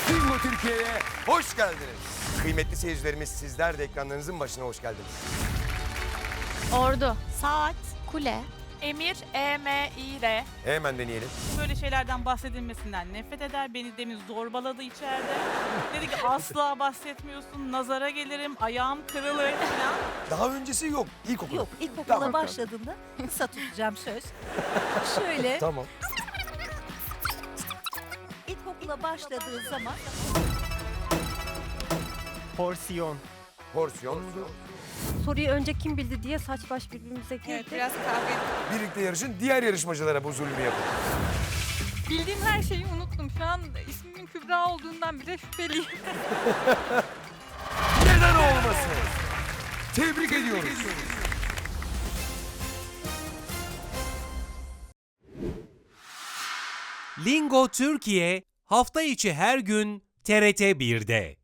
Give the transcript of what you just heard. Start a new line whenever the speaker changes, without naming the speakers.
Bingo Türkiye'ye hoş geldiniz. Kıymetli seyircilerimiz, sizler de ekranlarınızın başına hoş geldiniz.
Ordu,
Saat,
kule,
emir, E-M-İ-R.
Hemen deneyelim.
Böyle şeylerden bahsedilmesinden nefret eder. Beni demin zorbaladı içeride. Dedi ki asla bahsetmiyorsun, nazara gelirim, ayağım kırılır falan.
Daha öncesi yok. İlkokul.
Yok, ilkokula
Tamam.
başladığımda kısa tutacağım söz. Şöyle,
Tamam.
ilkokula başladığı zaman
Porsiyon.
Porsiyon.
Soruyu önce kim bildi diye saç baş birbirimize girdi.
Evet, biraz kahve.
Birlikte yarışın, diğer yarışmacılara bu zulmü yapın.
Bildiğim her şeyi unuttum. Şu an ismimin Kübra olduğundan bile şüpheliyim.
Neden olmasın? Tebrik ediyoruz.
Lingo Türkiye hafta içi her gün TRT 1'de.